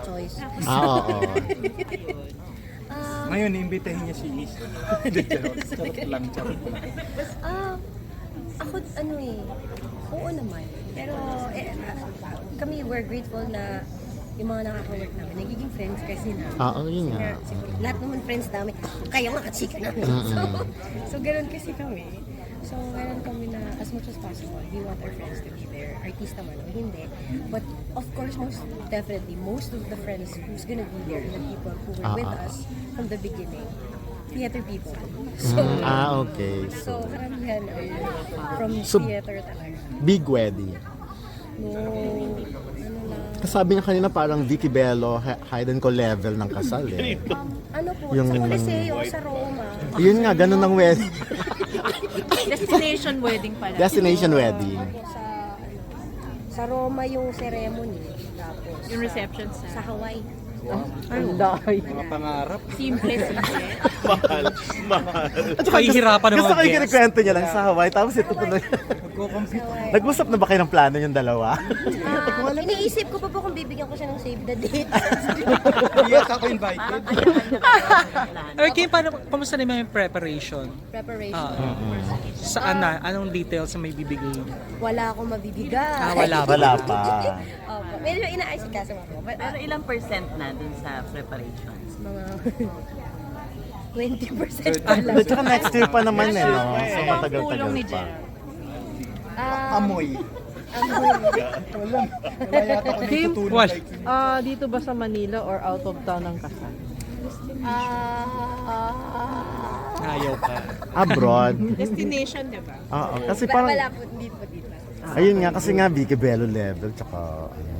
choice. Oo. Ngayon, iimbitahin niya si Is. Charot lang. Ako, oo naman. Pero, kami, we're grateful na yung mga nakaka-work namin, nagiging friends kasi namin. Oo, yun nga. Lahat naman friends namin, kaya mga kachika namin. So, ganun kasi kami. So, ganun kami na as much as possible, we want our friends to be there. Artista man o hindi. But, of course, most of the friends who's gonna be there are the people who were with us from the beginning. Theater people. So, Okay. so karamihan ay from theater talaga. Big wedding. No, lang. Kasabi niya kanina parang Vicky Bello, hide and call level ng kasal eh. Ano po, Yung- sa Coliseo, sa Roma. Yun nga, ganun ang wedding. Destination wedding pala. Destination wedding. Sa Roma yung ceremony. Tapos, Yung reception sa sa Hawaii. Mga pangarap. simple. Mahal. Kahihirapan Gusto ko yung kinikwento niya lang sa Hawaii, tapos ito tuloy. Nagko-compete. Nag-usap na ba kayo ng plano yung dalawa? Iniisip ko pa po kung bibigyan ko siya ng save the date. Yes, ako invited. Okay, Kim, kamusta naman yung preparation? Preparation. Saan na? Anong details na may bibigay? Wala akong mabibigay. Wala pa. Opo. Medyo inaasikaso ako. Pero ilang percent na dun sa preparations? Mga 20% pa lang. Tsaka next year pa naman eh, no? So matagal-tagal Tulong ni pa. Jen. Amoy. Wala yata ko Kim, natutulog. dito ba sa Manila or out of town ang kasal? Ayaw pa. Abroad. Destination, diba? Oo, kasi parang, Wala po, hindi po dito. ayun nga, kasi nga Vicky Bello level, tsaka,